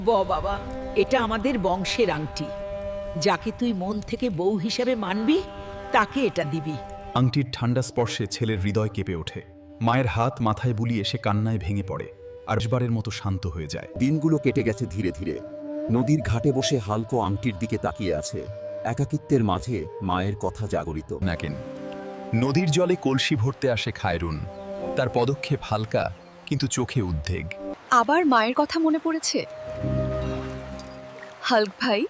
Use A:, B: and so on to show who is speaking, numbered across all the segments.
A: বাবা, এটা আমাদের বংশের আংটি। যাকে তুই মন থেকে বউ হিসেবে মানবি তাকে এটা দিবি।
B: আংটির ঠান্ডা স্পর্শে ছেলের হৃদয় কেঁপে ওঠে। মায়ের হাত মাথায় বুলিয়ে সে কান্নায় ভেঙে পড়ে আর শেষবারের মতো শান্ত হয়ে যায়।
C: দিনগুলো কেটে গেছে ধীরে ধীরে। নদীর ঘাটে বসে হালকো আংটির দিকে তাকিয়ে আছে। একাকিত্বের মাঝে মায়ের কথা জাগরিত।
B: নাকেন নদীর জলে কলসি ভরতে আসে খায়রুন। তার পদক্ষেপ হালকা কিন্তু চোখে উদ্বেগ।
D: আবার মায়ের কথা মনে পড়েছে। হাল্ক ভাই,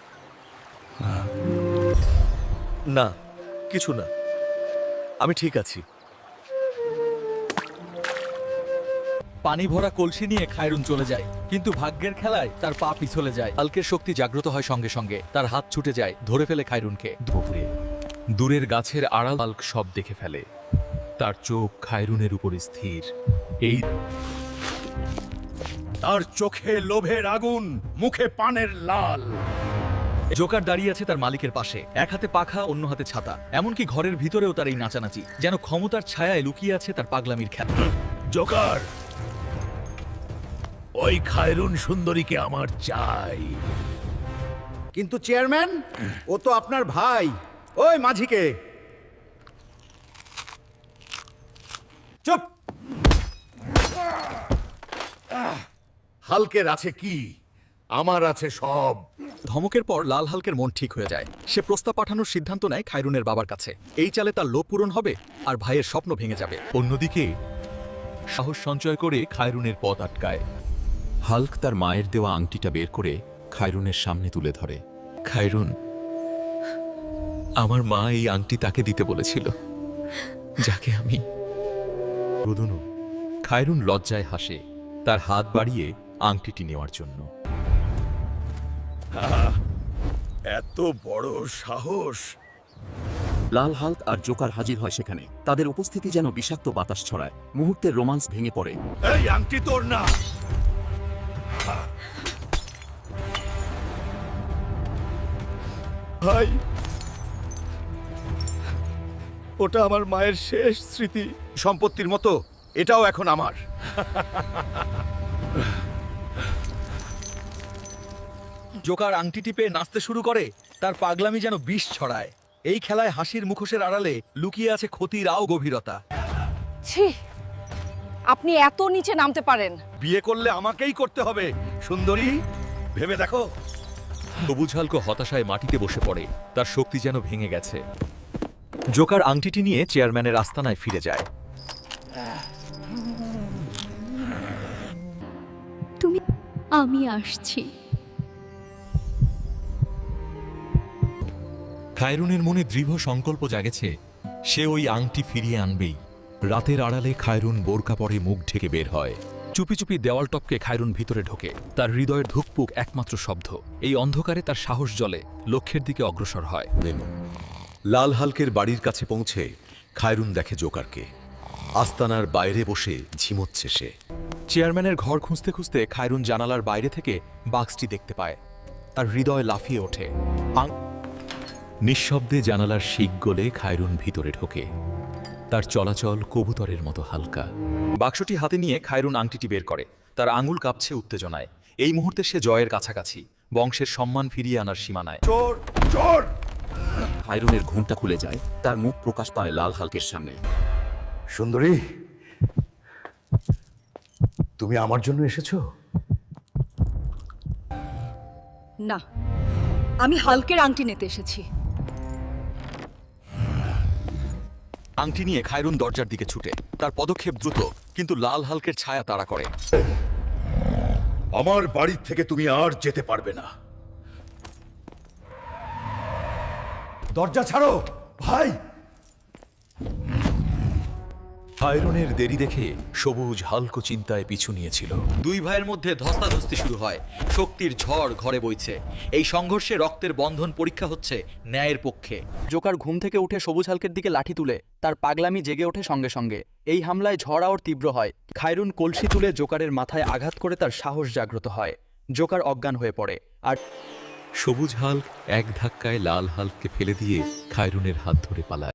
E: না, কিছু না, আমি ঠিক আছি।
F: পানি ভরা কলসি নিয়ে খায়রুন চলে যায়, কিন্তু ভাগ্যের খেলায় তার পা পিছলে যায়। হালকের শক্তি জাগ্রত হয় সঙ্গে সঙ্গে। তার হাত ছুটে যায়, ধরে ফেলে খায়রুনকে।
G: দুপুরে দূরের গাছের আড়াল হাল্ক সব দেখে ফেলে। তার চোখ খায়রুনের উপর স্থির। এই
E: তার চোখে লোভের আগুন, মুখে পানের লাল।
F: জোকার দাঁড়িয়ে আছে তার মালিকের পাশে, এক হাতে পাখা, অন্য হাতে ছাতা। এমনকি ঘরের ভিতরেও তার এই নাচানাচি, যেন ক্ষমতার ছায়ায় লুকিয়ে আছে তার পাগলামির খেলা।
E: জোকার, ওই খায়রুন সুন্দরীকে আমার চাই।
H: কিন্তু চেয়ারম্যান, ও তো আপনার ভাই। ওই মাঝিকে
E: চুপ! হালকের আছে কি? আমার আছে সব।
F: ধমকের পর লাল হালকের মন ঠিক হয়ে যায়। সে প্রস্তাব পাঠানোর সিদ্ধান্ত নেয় খায়রুনের বাবার কাছে। এই চালে তার লোভ পূরণ হবে আর ভাইয়ের স্বপ্ন ভেঙে যাবে।
G: অন্যদিকে সাহস সঞ্চয় করে খায়রুনের পথ আটকায়।
C: হাল্ক তার মায়ের দেওয়া আংটিটা বের করে খায়রুনের সামনে তুলে ধরে।
G: খায়রুন, আমার মা এই আংটি তাকে দিতে বলেছিল, যাকে আমি
C: রুদুনু
G: খায়রুন লজ্জায় হাসে, তার হাত বাড়িয়ে আংটিটি নেওয়ার জন্য।
E: এত বড় সাহস!
C: লাল হাল্ক আর জোকার হাজির হয় সেখানে। তাদের উপস্থিতি যেন বিষাক্ত বাতাস ছড়ায়। মুহূর্তের রোমান্স ভেঙে পড়ে।
E: এই আংটি তোর না। ভাই, ওটা আমার মায়ের শেষ স্মৃতি। সম্পত্তির মতো এটাও এখন আমার।
F: জোকার আংটিটি পেয়ে নাচতে শুরু করে। তার পাগলামি যেন বিষ ছড়ায়। এই খেলায় হাসির মুখোশের আড়ালে লুকিয়ে আছে ক্ষতির আও গভীরতা।
D: ছি, আপনি এত নিচে নামতে পারেন?
E: বিয়ে করলে আমাকেই করতে হবে সুন্দরী, ভেবে দেখো।
G: সবুজ হাল্ক হতাশায় মাটিতে বসে পড়ে, তার শক্তি যেন ভেঙে গেছে।
F: জোকার আংটিটি নিয়ে চেয়ারম্যানের আস্তানায় ফিরে যায়।
D: আমি আসছি।
G: খায়রুনের মনে দৃঢ় সংকল্প জাগেছে, সে ওই আংটি ফিরিয়ে আনবেই। রাতের আড়ালে খায়রুন বোরকা পরে মুখ ঢেকে বের হয়।
F: চুপি চুপি দেওয়াল টপকে খায়রুন ভিতরে ঢোকে। তার হৃদয়ের ধুকপুক একমাত্র শব্দ। এই অন্ধকারে তার সাহস জ্বলে, লক্ষ্যের দিকে অগ্রসর হয়।
I: লাল হালকের বাড়ির কাছে পৌঁছে খায়রুন দেখে জোকারকে। আস্তানার বাইরে বসে ঝিমোচ্ছে সে।
F: চেয়ারম্যানের ঘর খুঁজতে খুঁজতে খায়রুন জানালার বাইরে থেকে বাক্সটি দেখতে পায়। তার হৃদয় লাফিয়ে ওঠে।
G: নিঃশব্দে জানালার শিক গলে খায়রুন ভিতরে ঢোকে। তার চলাচল কবুতরের মতো হালকা।
F: বাক্সটি হাতে নিয়ে খায়রুন আংটিটি বের করে। তার আঙুল কাঁপছে উত্তেজনায়। এই মুহূর্তে সে জয়ের কাছাকাছি, বংশের সম্মান ফিরিয়ে আনার সীমানায়।
E: চোর, চোর!
C: খায়রুনের ঘুমটা খুলে যায়। তার মুখ প্রকাশ পায় লাল হাল্কের সামনে।
E: সুন্দরী, তুমি আমার জন্য এসেছো?
D: না, আমি হাল্কের আংটি নিতে এসেছি।
F: আংটি নিয়ে খায়রুন দরজার দিকে ছুটে। তার পদক্ষেপ দ্রুত, কিন্তু লাল হালকের ছায়া তাড়া করে।
E: আমার বাড়ি থেকে তুমি আর যেতে পারবে না। দরজা ছাড়ো ভাই।
G: খায়রুনের দেরি দেখে সবুজ হাল্ক চিন্তায় পিছু নিয়েছিল।
F: দুই ভাইয়ের মধ্যে ধস্তাধস্তি শুরু হয়। শক্তির ঝড় ঘরে বইছে। এই সংঘর্ষে রক্তের বন্ধন পরীক্ষা হচ্ছে ন্যায়ের পক্ষে।
J: জোকার ঘুম থেকে উঠে সবুজ হালকের দিকে লাঠি তুলে। তার পাগলামি জেগে ওঠে সঙ্গে সঙ্গে। এই হামলায় ঝড় আওয়ার তীব্র হয়। খায়রুন কলসি তুলে জোকারের মাথায় আঘাত করে তার সাহস জাগ্রত হয়। জোকার অজ্ঞান হয়ে পড়ে আর
G: সবুজ হাল্ক এক ধাক্কায় লাল হাল্ককে ফেলে দিয়ে খায়রুনের হাত ধরে পালায়।